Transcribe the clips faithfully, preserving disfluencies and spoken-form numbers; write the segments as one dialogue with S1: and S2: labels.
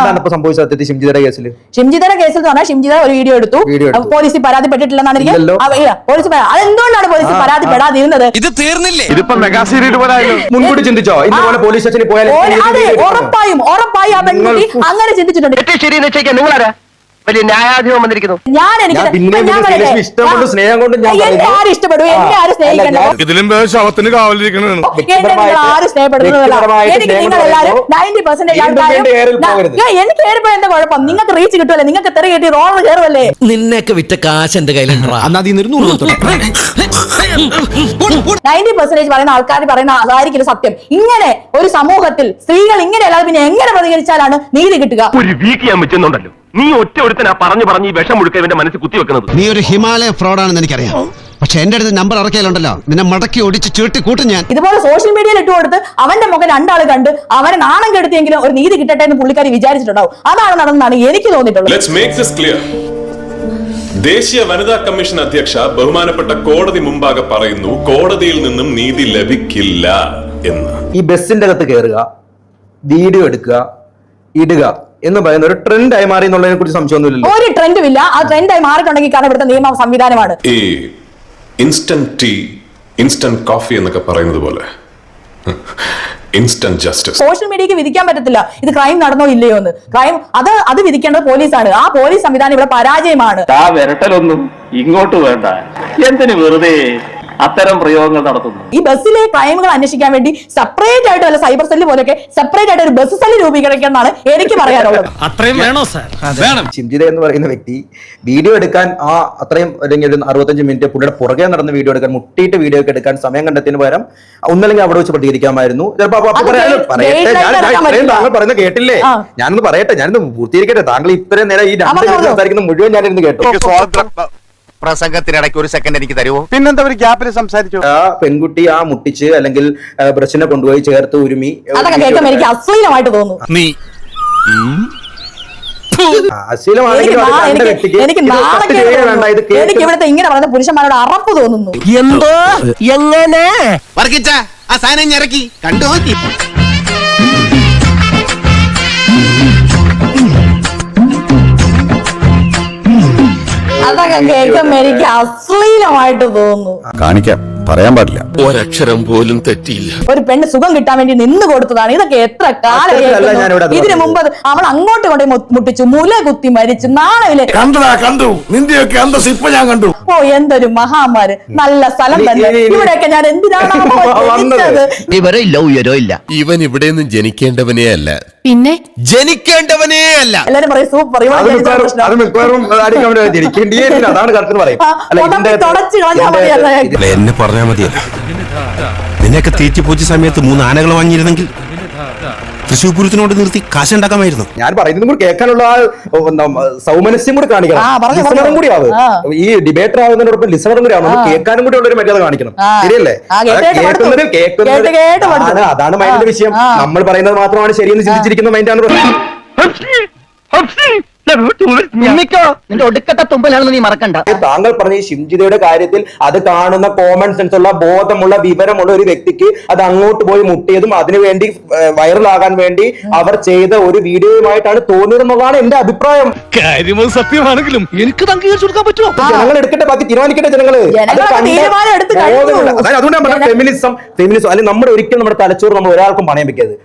S1: എന്താണ് ഇപ്പൊ സംഭവിച്ചത് സത്യത്തിൽ ഷിംജിതയുടെ കേസിൽ?
S2: ഷിംജിതയുടെ കേസിൽ എന്ന് പറഞ്ഞാൽ ഷിംജിത ഒരു വീഡിയോ എടുത്തു, പോലീസിൽ പരാതിപ്പെട്ടിട്ടില്ലെന്നാണ് എനിക്ക് പോലീസ്. അതെന്തുകൊണ്ടാണ് പോലീസിൽ പരാതിപ്പെടാതിരുന്നത്?
S3: ഇത് തീർന്നില്ലേ?
S1: ഇതിപ്പോ മെഗാ സീരിയൽ മുൻകൂട്ടി ചിന്തിച്ചോ ഇതുപോലെ പോലീസ് സ്റ്റേഷനിൽ പോയാൽ?
S2: അതെ, ഉറപ്പായും ഉറപ്പായും ആ പെൺകുട്ടി അങ്ങനെ ചിന്തിച്ചിട്ടുണ്ട്.
S4: നിങ്ങളാരാ വലിയ ന്യായാധിപം വന്നിരിക്കുന്നു?
S2: ഞാൻ എനിക്ക്
S1: സ്നേഹം കൊണ്ട്
S2: എന്നെ ആരും ഇഷ്ടപ്പെടും, എന്നെ ആരും സ്നേഹിക്കണ്ടോ?
S3: ഇതിലും ശവത്തിന് കാവലിരിക്കണ
S2: എന്നെ നിങ്ങൾ ആരും സ്നേഹപ്പെടുന്നതല്ല. എനിക്ക് നിങ്ങൾ എല്ലാവരും നയൻറ്റി പെർസെന്റേജ് ആൾക്കാരും എനിക്ക് കയറിപ്പോ എന്താ കുഴപ്പം? നിങ്ങൾക്ക് റീച്ച് കിട്ടുമല്ലേ? നിങ്ങൾക്ക് തെറി കിട്ടി റോളർ കയറുമല്ലേ?
S5: നിന്നൊക്കെ വിറ്റ കാശ് എന്റെ കയ്യിലുണ്ടാ.
S2: നയൻറ്റി പെർസെന്റേജ് പറയുന്ന ആൾക്കാർ പറയുന്ന അതായിരിക്കും സത്യം. ഇങ്ങനെ ഒരു സമൂഹത്തിൽ സ്ത്രീകൾ ഇങ്ങനെ അല്ലാതെ പിന്നെ എങ്ങനെ പ്രതികരിച്ചാലാണ് നീതി കിട്ടുക?
S4: ഒരു വീക്ക് ഞാൻ വെച്ചെന്നുണ്ടല്ലോ, നീ ഒറ്റ ഒരുത്തനാ പറഞ്ഞു പറഞ്ഞ് ഈ വിഷം മുഴുക്ക ഇവന്റെ മനസ്സിൽ കുത്തിവെക്കുന്നത്.
S5: നീ ഒരു ഹിമാലയ ഫ്രോഡാണെന്ന് എനിക്കറിയാം, പക്ഷെ എന്റെ അടുത്ത് നമ്പർ ഇറക്കിയാലുണ്ടല്ലോ നിന്നെ മടക്കി ഒടിച്ച് ചീട്ടി കൂട്ടും ഞാൻ.
S2: ഇതുപോലെ സോഷ്യൽ മീഡിയയിൽ ഇട്ട് കൊടുത്ത് അവന്റെ മുഖം രണ്ടാൾ കണ്ട് അവനെ നാണം കെടുത്തിയെങ്കിലും ഒരു നീതി കിട്ടട്ടെ എന്ന് പുള്ളിക്കാരി വിചാരിച്ചിട്ടുണ്ടാവും. അതാണ് നടന്നതാണ് എനിക്ക് തോന്നിയിട്ടുള്ളത്.
S6: Let's make this clear. ദേശീയ വനിതാ കമ്മീഷൻ അധ്യക്ഷ ബഹുമാനപ്പെട്ട കോടതി മുമ്പാകെ പറയുന്നു കോടതിയിൽ നിന്നും നീതി ലഭിക്കില്ല എന്ന്.
S1: ഈ ബസിന്റെ അകത്ത് കയറുക, വീഡിയോ എടുക്കുക, ഇടുക എന്ന് പറയുന്ന ഒരു ട്രെൻഡ് ആയി മാറി എന്നുള്ളതിനെ കുറിച്ച് സംശയമൊന്നുമില്ലല്ലോ.
S2: ഒരു ട്രെൻഡും ഇല്ല. ആ ട്രെൻഡ് ആയി മാറിയിട്ടുണ്ടെങ്കിൽ കാരണം ഇവിടുത്തെ നിയമ സംവിധാനമാണ്.
S6: ഈ ഇൻസ്റ്റന്റ് ടീ, ഇൻസ്റ്റന്റ് കോഫി എന്നൊക്കെ പറയുന്നത് പോലെ ഇൻസ്റ്റന്റ് ജസ്റ്റിസ്
S2: സോഷ്യൽ മീഡിയക്ക് വിധിക്കാൻ പറ്റത്തില്ല ഇത് ക്രൈം നടന്നോ ഇല്ലയോ എന്ന്. ക്രൈം അത് അത് വിധിക്കേണ്ടത് പോലീസാണ്. ആ പോലീസ് സംവിധാനം ഇവിടെ പരാജയമാണ്.
S4: ആ വിരട്ടലൊന്നും ഇങ്ങോട്ട് വേണ്ട, എന്തിനു വെറുതെ അത്തരം പ്രയോഗങ്ങൾ നടത്തുന്നു.
S2: ഈ ബസ്സിലെ ക്രൈമുകൾ അന്വേഷിക്കാൻ വേണ്ടി സെപ്പറേറ്റ് ആയിട്ട് അല്ല സൈബർ സെല്ല് പോലെയൊക്കെ സെപ്പറേറ്റ് ആയിട്ട് ഒരു ബസ് സെല്ല് രൂപീകരിക്കണം എന്നാണ് എനിക്ക് പറയാനുള്ളത്.
S3: അത്രയും വേണോ സാർ? വേണം.
S1: ഷിംജിത എന്ന് പറയുന്ന വ്യക്തി വീഡിയോ എടുക്കാൻ ആ അത്രയും അല്ലെങ്കിൽ ഒരു അറുപത്തഞ്ച് മിനിറ്റ് പുള്ളിയുടെ പുറകെ നടന്ന് വീഡിയോ എടുക്കാൻ മുട്ടിയിട്ട് വീഡിയോ ഒക്കെ എടുക്കാൻ സമയം കണ്ടെത്തിന് പകരം ഒന്നല്ലെങ്കിൽ അവിടെ വെച്ച് പ്രതികരിക്കാമായിരുന്നു. താങ്കൾ പറയുന്നത് കേട്ടില്ലേ? ഞാനൊന്ന് പറയട്ടെ, ഞാനൊന്ന് പൂർത്തീകരിക്കട്ടെ. താങ്കൾ ഇത്രയും നേരം ഈ രണ്ട് സംസാരിക്കുന്ന മുഴുവൻ ഞാനിരുന്ന് കേട്ടു.
S7: പ്രസംഗത്തിനിടയ്ക്ക് ഒരു സെക്കൻഡ് എനിക്ക് തരുമോ?
S1: പിന്നെന്താ ഒരു ഗ്യാപ്പിൽ സംസാരിച്ചു? ആ പെൺകുട്ടി ആ മുട്ടിച്ച് അല്ലെങ്കിൽ ബ്രഷിനെ കൊണ്ടുപോയി ചേർത്ത് ഉരുമി
S2: അതൊക്കെ കേൾക്കുമ്പോൾ എനിക്ക് അശ്ലീലമായിട്ട് തോന്നുന്നു.
S3: നീ
S2: എനിക്ക് ഇവിടുത്തെ ഇങ്ങനെ പറയുന്ന പുരുഷന്മാരോട് അറപ്പ് തോന്നുന്നു.
S5: എന്തോ എങ്ങനെ
S7: വർക്കിച്ച ആ സാധനം ഇറക്കി കണ്ടു നോക്കി.
S2: അതൊക്കെ കേൾക്കുമ്പോ എനിക്ക് അശ്ലീലമായിട്ട് തോന്നുന്നു.
S8: കാണിക്കാം, പറയാൻ പാടില്ല.
S3: ഒരക്ഷരം പോലും തെറ്റിയില്ല.
S2: ഒരു പെണ്ണ് സുഖം കിട്ടാൻ വേണ്ടി നിന്ന് കൊടുത്തതാണ്. ഇതൊക്കെ എത്ര കാലം. ഇതിനു മുമ്പ് അവൾ അങ്ങോട്ട് കൊണ്ട് മുട്ടിച്ചു, മുല കുത്തി മരിച്ചു, നാണയില്
S3: കണ്ടു കണ്ടു നിന്റെയൊക്കെ അന്തസ് ഇപ്പൊ ഞാൻ കണ്ടു.
S2: ഓ എന്തൊരു മഹാമാര്, നല്ല സ്ഥലം തന്നെ. ഇവിടെയൊക്കെ ഞാൻ എന്തിനാണ്
S5: ഇവരോ ഇല്ല ഉയരോ ഇല്ല.
S3: ഇവൻ ഇവിടെ നിന്ന് ജനിക്കേണ്ടവനേ അല്ല,
S2: പിന്നെ
S3: ജനിക്കേണ്ടവനേ അല്ല.
S2: എല്ലാരും പറയും സൂപ്പർ,
S8: എന്നെ പറഞ്ഞാൽ മതിയല്ല. നിന്നെയൊക്കെ തീറ്റിപ്പോച്ച സമയത്ത് മൂന്ന് ആനകൾ വാങ്ങിയിരുന്നെങ്കിൽ തൃശ്ശൂർ പൂരത്തിനോട് നിർത്തി കാശുണ്ടാക്കാമായിരുന്നു.
S1: ഞാൻ പറയുന്നത് കൂടി കേൾക്കാനുള്ള സൗമനസ്യം കൂടി കാണിക്കണം. ലിസണറും കൂടി ആവും. ഈ ഡിബേറ്റർ ആവുന്നതിനോടൊപ്പം ലിസണറും കൂടി ആവും. കേൾക്കാനും കൂടി ഉള്ള ഒരു മര്യാദ കാണിക്കണം. ശരിയല്ലേ? കേൾക്കുന്നത് കേൾക്കുന്നത് അതാണ് മൈൻഡിന്റെ വിഷയം. നമ്മൾ പറയുന്നത് മാത്രമാണ് ശരിയെന്ന് ചിന്തിച്ചിരിക്കുന്ന മൈൻഡാണ് പ്രശ്നം.
S4: നിന്റെ ഒടുക്കത്തെ തുമ്പലാണെന്ന് നീ മറക്കണ്ട.
S1: താങ്കൾ പറഞ്ഞ ഈ ഷിംജിതയുടെ കാര്യത്തിൽ അത് കാണുന്ന കോമൺ സെൻസ് ഉള്ള ബോധമുള്ള വിവരമുള്ള ഒരു വ്യക്തിക്ക് അത് അങ്ങോട്ട് പോയി മുട്ടിയതും അതിനുവേണ്ടി വൈറലാകാൻ വേണ്ടി അവർ ചെയ്ത ഒരു വീഡിയോയുമായിട്ടാണ് തോന്നിയതെന്നുള്ളതാണ് എന്റെ അഭിപ്രായം.
S3: കാര്യം സത്യമാണെങ്കിലും എനിക്ക് അംഗീകരിച്ചു കൊടുക്കാൻ പറ്റുമോ?
S1: ജനങ്ങൾ എടുക്കട്ടെ, ബാക്കി തീരുമാനിക്കട്ടെ ജനങ്ങള്. അതുകൊണ്ട് ഞാൻ പറഞ്ഞ ഫെമിനിസം ഫെമിനിസം അല്ലെങ്കിൽ നമ്മുടെ ഒരിക്കലും നമ്മുടെ തലച്ചോറ് നമ്മൾ ഒരാൾക്കും പണയം വെക്കരുത്.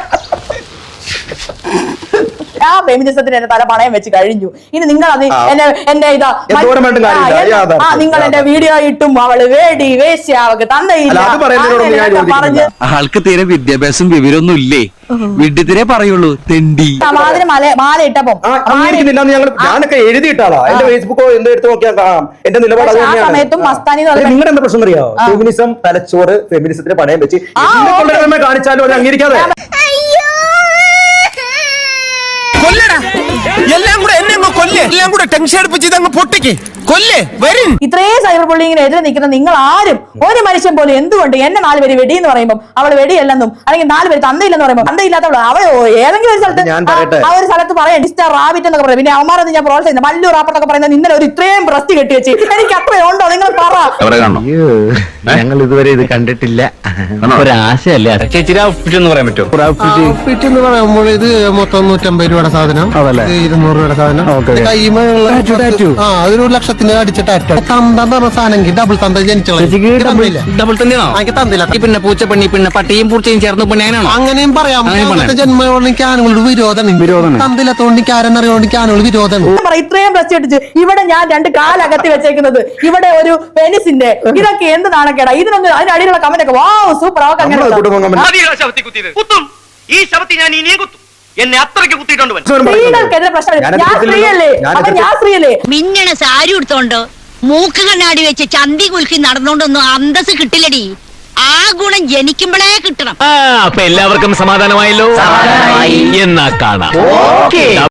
S2: ആ ഫെമിനിസത്തിന് എന്റെ തല പണയം വെച്ച് കഴിഞ്ഞു. ഇനി നിങ്ങൾ അത് എന്നെ എന്റെ ഇതാ നിങ്ങൾ എന്റെ വീഡിയോ ഇട്ടും അവള് വേടി വേശ്യ അവക്ക് തന്നയില്ല പറഞ്ഞ്
S5: ആൾക്ക് തീരെ വിദ്യാഭ്യാസം വിവരമൊന്നും ഇല്ലേ, വിഡ്ഢിത്തിരെ പറയുള്ളൂ തെണ്ടി.
S2: മാതിരി മല മാല ഇട്ടപ്പോ
S1: ഞാനൊക്കെ എഴുതിയിട്ടാളാ. എന്റെ ഫേസ്ബുക്കോ എന്ത് എടുത്ത് നോക്കിയാൽ കാണാം എന്റെ നിലപാട്.
S2: സമയത്തും മസ്താനി
S1: നിങ്ങളുടെ എന്താ പ്രശ്നം അറിയാമോ? ഫെമിനിസം തലച്ചോറ് ഫെമിനിസത്തിന് പണയം വെച്ച് കാണിച്ചാലും അത് അംഗീകരിക്കാതെ
S3: എല്ലാം കൂടെ എന്നെ കൊല്ലേ എല്ലാം കൂടെ ടെൻഷൻ അടുപ്പിച്ച് ഇതങ്ങ് പൊട്ടിക്ക് കൊല്ലേ വരും.
S2: ഇത്രയും സൈബർ ബുള്ളിങ്ങിന് എതിരെ നിൽക്കുന്ന നിങ്ങൾ ആരും ഒരു മനുഷ്യൻ പോലും എന്തുകൊണ്ട് എന്നെ നാല് പേര് വെടി എന്ന് പറയുമ്പോൾ അവൾ വെടിയല്ലെന്നും അല്ലെങ്കിൽ നാല് പേര് തന്തയില്ലെന്ന് പറയുമ്പോൾ തന്തയില്ലാത്തവൾ അവൾ ഏതെങ്കിലും ഒരു സ്ഥലത്ത് ആ ഒരു സ്ഥലത്ത് പറയാം ഡിസ്റ്റാർ റാബിറ്റ് എന്നൊക്കെ പറയും. പിന്നെ അവന്മാരൊന്നും ഞാൻ പ്രോത്സാഹിക്കുന്നു. മല്ലു റാപ്പട്ടൊക്കെ പറയുന്നത് ഇന്നലെ ഒരു ഇത്രയും ബ്രസ്റ്റ് കെട്ടി വെച്ച് എനിക്ക് അത്രയും ഉണ്ടോ നിങ്ങൾ പറ.
S7: ഞങ്ങൾ ഇതുവരെ ഇത് കണ്ടിട്ടില്ല. ഒരാശയല്ലേ ചേച്ചി എന്ന് പറയാൻ പറ്റുമോ?
S5: എന്ന് പറയുമ്പോൾ ഇത് മൊത്തം നൂറ്റമ്പത് രൂപയുടെ സാധനം, ഇരുന്നൂറ് രൂപയുടെ സാധനം, കൈമയുള്ള ആ അതൊരു ലക്ഷത്തിന് അടിച്ചിട്ട് തന്ത പറഞ്ഞ സാധനം ഡബിൾ തന്ത ജനിച്ചോളൂ.
S7: ഡബിൾ തന്നെയാണോ?
S5: തന്നില്ല.
S7: പിന്നെ പൂച്ചപ്പണ്ണി പിന്നെ പട്ടിയും പൂച്ചയും ചേർന്ന് പെണ്ണാണോ?
S5: അങ്ങനെയും പറയാം. ജന്മോളിക്ക് ആനുകളുടെ വിരോധം തന്തിലത്തോണ്ടിക്ക് ആരെന്നറിയോണ്ടിക്ക് ആനുകൾ വിരോധം.
S2: ഇത്രയും ബ്രസ്റ്റ് കെട്ടിച്ച് ഇവിടെ ഞാൻ രണ്ട് കാലകത്തി വെച്ചേക്കുന്നത്, ഇവിടെ ഒരു പെനിസിന്റെ ഇതൊക്കെ എന്ത് നാണക്കേടാ. ഇതിനൊന്നും അതിനടിയിലുള്ള കമന്റ് ഒക്കെ വാവ് സൂപ്പർ ആവൊക്കെ അങ്ങനെ
S7: ഈ ശവത്തി ഞാൻ ഇനിയും കുത്തും. എന്നെ അത്രയ്ക്ക് കുത്തിയിട്ടുണ്ട്.
S2: സ്ത്രീകൾക്കെതിരെ പ്രശ്നം. ഞാൻ സ്ത്രീയല്ലേ? അപ്പൊ ഞാൻ സ്ത്രീയല്ലേ?
S9: മിന്നണ സാരി ഉടുത്തോണ്ട് മൂക്ക് കണ്ണാടി വെച്ച് ചന്തി കുലുക്കി നടന്നോണ്ടൊന്നും അന്തസ് കിട്ടില്ലടി. ആ ഗുണം ജനിക്കുമ്പോഴേ കിട്ടണം.
S7: അപ്പൊ എല്ലാവർക്കും സമാധാനമായല്ലോ. എന്നാ കാണാം.